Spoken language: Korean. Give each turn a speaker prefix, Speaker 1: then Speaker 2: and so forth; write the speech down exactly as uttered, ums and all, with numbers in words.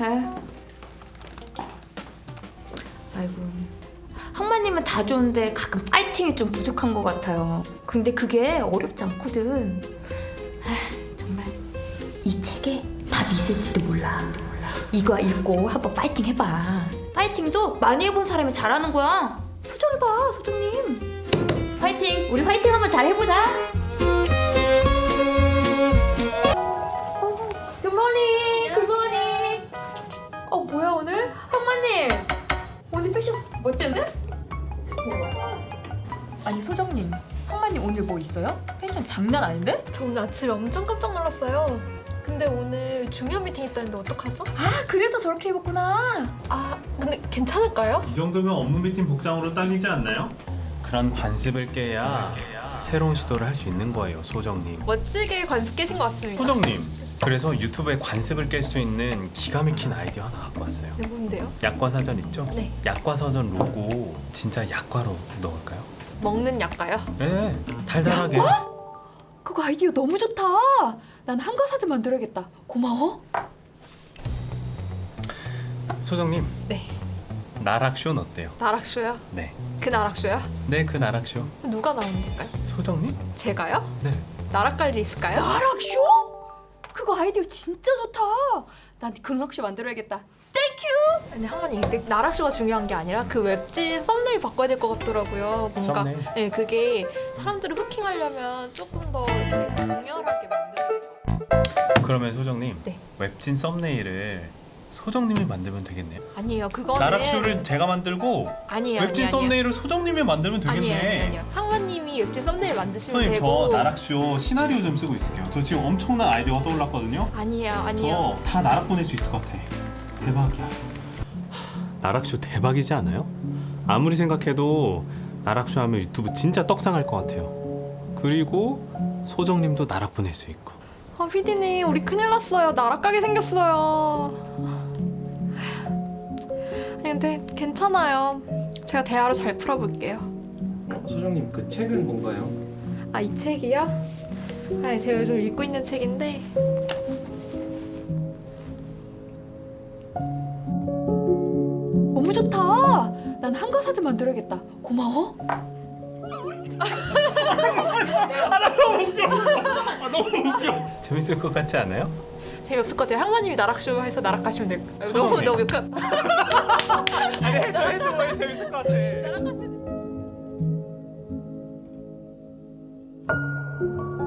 Speaker 1: 아이고, 항마님은 다 좋은데 가끔 파이팅이 좀 부족한 것 같아요. 근데 그게 어렵지 않거든. 아, 정말 이 책에 답이 있을지도 몰라. 이거 읽고 한번 파이팅 해봐. 파이팅도 많이 해본 사람이 잘하는 거야. 소정 봐, 소정님. 파이팅! 우리 파이팅 한번 잘 해보자. 굿모닝! 굿모닝! 어, 뭐야 오늘? 항마님! 오늘 패션 멋진데? 아니 소정님, 항마님 오늘 뭐 있어요? 패션 장난 아닌데?
Speaker 2: 저 오늘 아침에 엄청 깜짝 놀랐어요. 근데 오늘 중요한 미팅 있다는데 어떡하죠?
Speaker 1: 아, 그래서 저렇게 입었구나.
Speaker 2: 아, 근데 괜찮을까요?
Speaker 3: 이 정도면 업무 미팅 복장으로 딱이지 않나요?
Speaker 4: 그런 관습을 깨야 새로운 시도를 할 수 있는 거예요, 소정님.
Speaker 2: 멋지게 관습 깨신 것 같습니다.
Speaker 4: 소정님, 그래서 유튜브에 관습을 깰 수 있는 기가 막힌 아이디어 하나 갖고 왔어요.
Speaker 2: 네, 뭔데요?
Speaker 4: 약과사전 있죠?
Speaker 2: 네.
Speaker 4: 약과사전 로고 진짜 약과로 넣을까요?
Speaker 2: 먹는 약가요?
Speaker 4: 네, 달달하게.
Speaker 1: 그거 아이디어 너무 좋다. 난 한과사전 만들어야겠다. 고마워.
Speaker 4: 소정님,
Speaker 2: 네.
Speaker 4: 나락쇼는 어때요?
Speaker 2: 나락쇼요?
Speaker 4: 네.
Speaker 2: 그 나락쇼요?
Speaker 4: 네, 그 나락쇼.
Speaker 2: 누가 나오는 걸까요?
Speaker 4: 소정님?
Speaker 2: 제가요?
Speaker 4: 네.
Speaker 2: 나락갈리 있을까요?
Speaker 1: 나락쇼? 그거 아이디어 진짜 좋다. 난 그락쇼 만들어야겠다. 땡큐.
Speaker 2: 아니 항마님, 근데 나락쇼가 중요한 게 아니라 그 웹진 썸네일 바꿔야 될 것 같더라고요. 뭔가
Speaker 4: 썸네일?
Speaker 2: 네, 그게 사람들을 후킹하려면 조금 더 이렇게 강렬하게 만들어야 될 것 같아요.
Speaker 4: 그러면 소정님,
Speaker 2: 네.
Speaker 4: 웹진 썸네일을 소정님이 만들면 되겠네요.
Speaker 2: 아니에요, 그거는
Speaker 4: 나락쇼를 제가 만들고
Speaker 2: 아니에요,
Speaker 4: 웹진
Speaker 2: 아니에요,
Speaker 4: 썸네일을 소정님이 만들면 되겠네.
Speaker 2: 아니에요, 아니에요, 아니에요. 항마님이 웹진 썸네일 만드시면
Speaker 3: 선생님
Speaker 2: 되고.
Speaker 3: 저 나락쇼 시나리오 좀 쓰고 있을게요. 저 지금 엄청난 아이디어가 떠올랐거든요.
Speaker 2: 아니에요, 아니에요.
Speaker 3: 저 다 나락 보낼 수 있을 것 같아. 대박이야.
Speaker 4: 나락쇼 대박이지 않아요? 아무리 생각해도 나락쇼 하면 유튜브 진짜 떡상할 것 같아요. 그리고 소정님도 나락 보낼 수 있고.
Speaker 2: 아, 피디님, 우리 큰일 났어요. 나락 가게 생겼어요. 아니, 근데 괜찮아요. 제가 대화로 잘 풀어볼게요.
Speaker 5: 어, 소장님 그 책은 뭔가요?
Speaker 2: 아, 이 책이요? 아, 제가 요즘 읽고 있는 책인데.
Speaker 1: 너무 좋다. 난 한과사전 만들어야겠다. 고마워.
Speaker 4: 재밌을 것 같지 않아요?
Speaker 2: 재미없을 것 같아요. 항마님이 나락쇼 해서 나락 가시면 될 거예요. 너무
Speaker 4: 소장님.
Speaker 2: 너무 욕한.
Speaker 4: 아니 해줘 해줘 왜 재밌을 것 같아.
Speaker 2: 나락 가시면